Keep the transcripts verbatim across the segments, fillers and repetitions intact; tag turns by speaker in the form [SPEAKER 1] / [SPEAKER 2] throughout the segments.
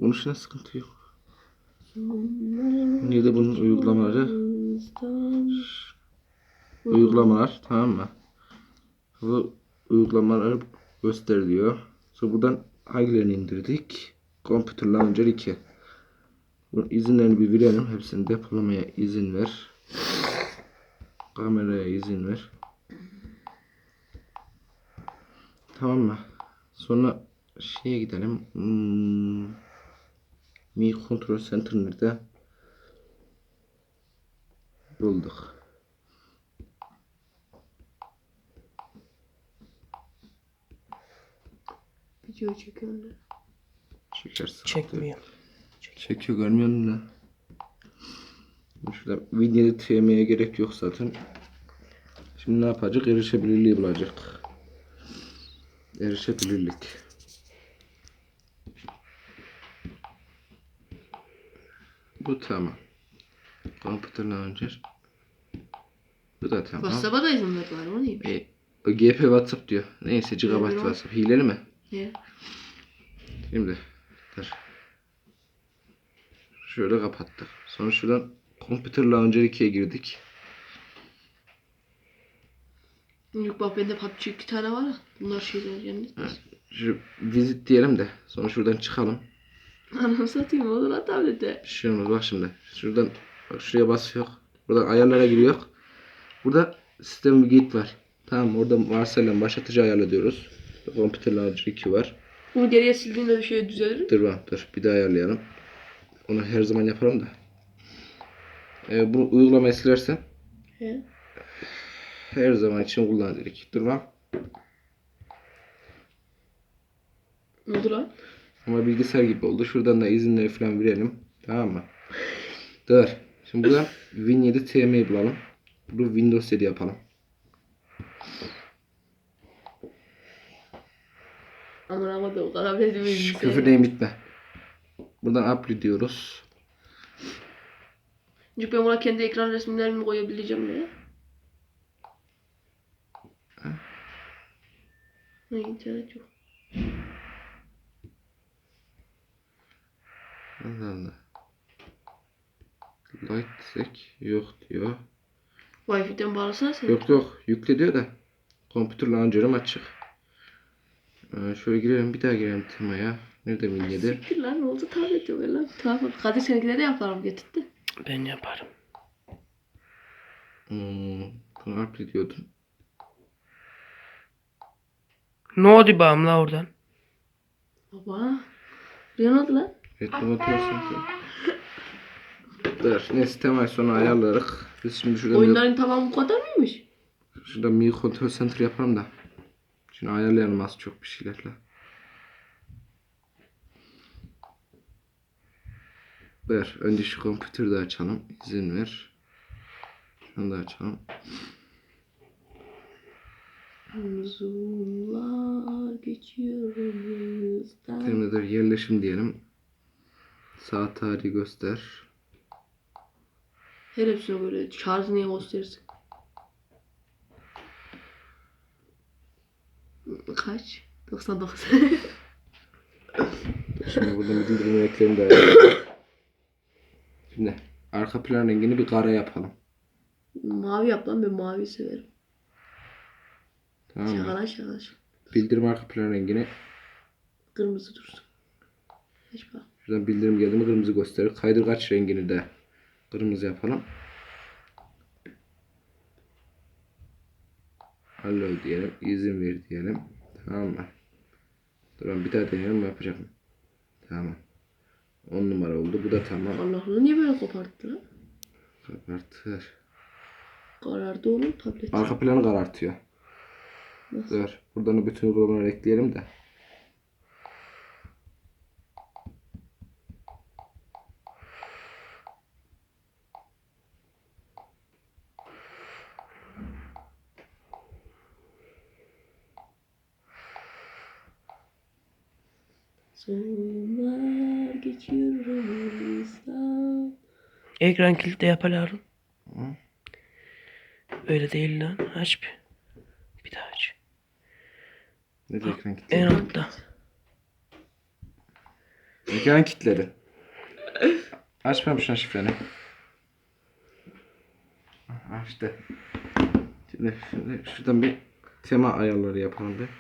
[SPEAKER 1] Konuşuna sıkıntı yok. Niye de bunun uygulamaları? Uygulamalar, tamam mı? Bu uygulamaları göster diyor. Sonra buradan hangilerini indirdik? Computer Launcher iki. Bunun izinlerini bir verelim. Hepsini depolamaya izin ver. Kameraya izin ver. Tamam mı? Sonra şeye gidelim. Hmm. Mi Control Center nerede? Bulduk.
[SPEAKER 2] Video çekiyor ne?
[SPEAKER 1] Çekersin.
[SPEAKER 3] Çekmiyor.
[SPEAKER 1] Çekiyor, görmüyor musun? Şurada videoyu tüyemeye gerek yok zaten. Şimdi ne yapacak? Erişebilirliği bulacak. Erişebilirlik. Bu tamam. Computer Launcher. Bu da tamam.
[SPEAKER 2] WhatsApp'a da izin ver bari, o neymiş?
[SPEAKER 1] E, o G P WhatsApp diyor. Neyse gigabyte
[SPEAKER 2] Evet,
[SPEAKER 1] WhatsApp. Hileli mi?
[SPEAKER 2] Ne?
[SPEAKER 1] Şimdi dur. Şöyle kapattık. Sonra şuradan Computer Launcher ikiye girdik.
[SPEAKER 2] Yok bak bende P U B G iki tane var ya. Bunlar şeyler yani.
[SPEAKER 1] Ha, şu visit diyelim de sonra şuradan çıkalım.
[SPEAKER 2] Anam satayım olur lan tablete.
[SPEAKER 1] Bir şey olmaz bak şimdi. Şuradan bak şuraya basıyor. Buradan ayarlara giriyor. Burada sistem bir git var. Tamam, orada varsayılan başlatıcı ayarla diyoruz. Computer Launcher iki var.
[SPEAKER 2] Bunu geriye sildiğinde bir şey düzelir mi?
[SPEAKER 1] Dur bak dur bir daha ayarlayalım. Onu her zaman yaparım da. Ee, bu uygulamayı silersen
[SPEAKER 2] He.
[SPEAKER 1] her zaman için kullan dedik. Dur bak.
[SPEAKER 2] Ne oldu lan?
[SPEAKER 1] Ama bilgisayar gibi oldu. Şuradan da izinleri falan verelim. Tamam mı? Dur. Şimdi buradan Win yedi T M'yi bulalım. Bu Windows yedi yapalım.
[SPEAKER 2] Aman ama da o kadar bile değil.
[SPEAKER 1] Şş, küfür deyim bitme. Buradan upload diyoruz.
[SPEAKER 2] Çünkü ben buna kendi ekran resimlerimi koyabileceğim ya. Ne internet yok.
[SPEAKER 1] Allah Allah. Light sek yok diyor.
[SPEAKER 2] Wi-Fi'den bağlasana sen.
[SPEAKER 1] Yok yok yükle diyor da. Computer Launcher'ım açık. Ee, şöyle girelim, bir daha girelim temaya. Nerede Win yedi?
[SPEAKER 2] Siktir lan, ne oldu tablet yok lan. Tamam. Kadir seninkine de yaparım getirdi.
[SPEAKER 3] Ben yaparım.
[SPEAKER 1] Hmm, bunu upload diyordum.
[SPEAKER 3] Ne oldu bağım la oradan?
[SPEAKER 2] Baba. Bir ne oldu lan?
[SPEAKER 1] Evet, bunu atıyorsun ki. Dur, neyse temel sonra ayarlarız. Biz şimdi şurada
[SPEAKER 2] Oyunların tamamı bu kadar mıymış?
[SPEAKER 1] şurada Mi Control Center yapalım da. Şimdi ayarlayalım az çok bir şeylerle. Ver, önce şu kompüteri de açalım. İzin ver. Şunu da açalım.
[SPEAKER 2] Zoomlar geçiyor önümüzden.
[SPEAKER 1] Terminator yerleşim diyelim. Saat tarihi göster.
[SPEAKER 2] Her hepsine böyle şarjı niye gösterirsin? Kaç? doksan dokuz.
[SPEAKER 1] Şimdi burada bildirim eklerini de ayarlayalım. Şimdi arka plan rengini bir kara yapalım.
[SPEAKER 2] Mavi yap lan, ben mavi severim.
[SPEAKER 1] Tamam mı?
[SPEAKER 2] Şakala şakala.
[SPEAKER 1] Bildirim arka plan rengini
[SPEAKER 2] Kırmızı dursun. Hiç bak.
[SPEAKER 1] şuradan bildirim geldi mi kırmızı gösterir. Kaydırgaç rengini de kırmızı yapalım. Allow diyelim. İzin ver diyelim. Tamam mı? Dur bir daha deneyelim, yapacak mı? Tamam. on numara oldu. Bu da tamam.
[SPEAKER 2] Allah'ını niye böyle koparttı lan?
[SPEAKER 1] Kapartır.
[SPEAKER 2] Karardı oğlum tablet.
[SPEAKER 1] Arka planı karartıyor.
[SPEAKER 2] Nasıl?
[SPEAKER 1] Dur. Buradan bütün uygulamaları ekleyelim de.
[SPEAKER 2] Zoomlar geçiyor önümüzden.
[SPEAKER 3] Ekran kilidi yaparım.
[SPEAKER 1] Hı?
[SPEAKER 3] Öyle değil lan. Aç bir. Bir daha aç.
[SPEAKER 1] Ne de ekran
[SPEAKER 3] En
[SPEAKER 1] kilitli?
[SPEAKER 3] altta.
[SPEAKER 1] Ekran kilitledin. Açmamışsın şifreni. Ha işte. Şimdi, şimdi şuradan bir tema ayarları yapalım bir.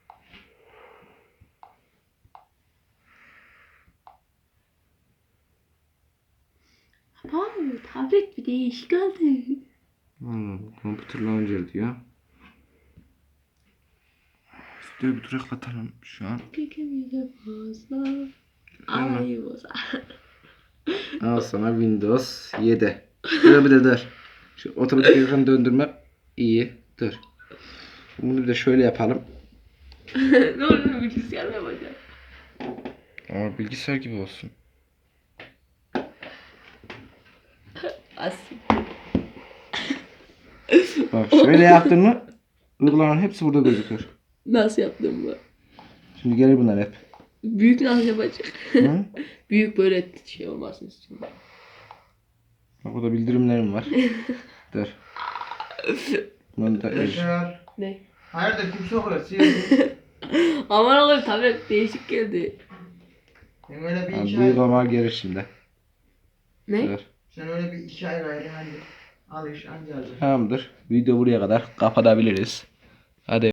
[SPEAKER 2] Abi tablet bir değişik oldu.
[SPEAKER 1] Hmm, Computer Launcher diyor. Videoyu bir durak atalım şu an.
[SPEAKER 2] Kekimize fazla. Alayı bozar.
[SPEAKER 1] Al sana Windows yedi. Şöyle bir de dur. Şu otomatik ekran döndürme iyi. Dur. Bunu bir de şöyle yapalım.
[SPEAKER 2] Ne olur bilgisayar mı yapacağım?
[SPEAKER 1] Ama bilgisayar gibi olsun.
[SPEAKER 2] Aslında.
[SPEAKER 1] Bak şöyle yaptın mı uygulamanın hepsi burada gözüküyor.
[SPEAKER 2] Nasıl yaptım bu?
[SPEAKER 1] Şimdi gelir bunlar hep.
[SPEAKER 2] Büyük nasıl yapacak?
[SPEAKER 1] Hı?
[SPEAKER 2] Büyük böyle şey olmasın istiyorum.
[SPEAKER 1] Bak burada bildirimlerim var. Dur. Bunu da
[SPEAKER 4] Yaşar.
[SPEAKER 2] Ne?
[SPEAKER 4] Hayırdır kim sokuyor? Sıyırdın.
[SPEAKER 2] Aman oğlum tablet değişik geldi.
[SPEAKER 4] Sen öyle bir
[SPEAKER 1] yani
[SPEAKER 4] iki
[SPEAKER 1] bu
[SPEAKER 4] ay...
[SPEAKER 1] uygulama gelir şimdi.
[SPEAKER 2] Ne?
[SPEAKER 1] Dur.
[SPEAKER 4] Sen öyle bir iki ay gayrı hadi. Al iş anca alacak.
[SPEAKER 1] Tamamdır. Video buraya kadar kapatabiliriz. Hadi.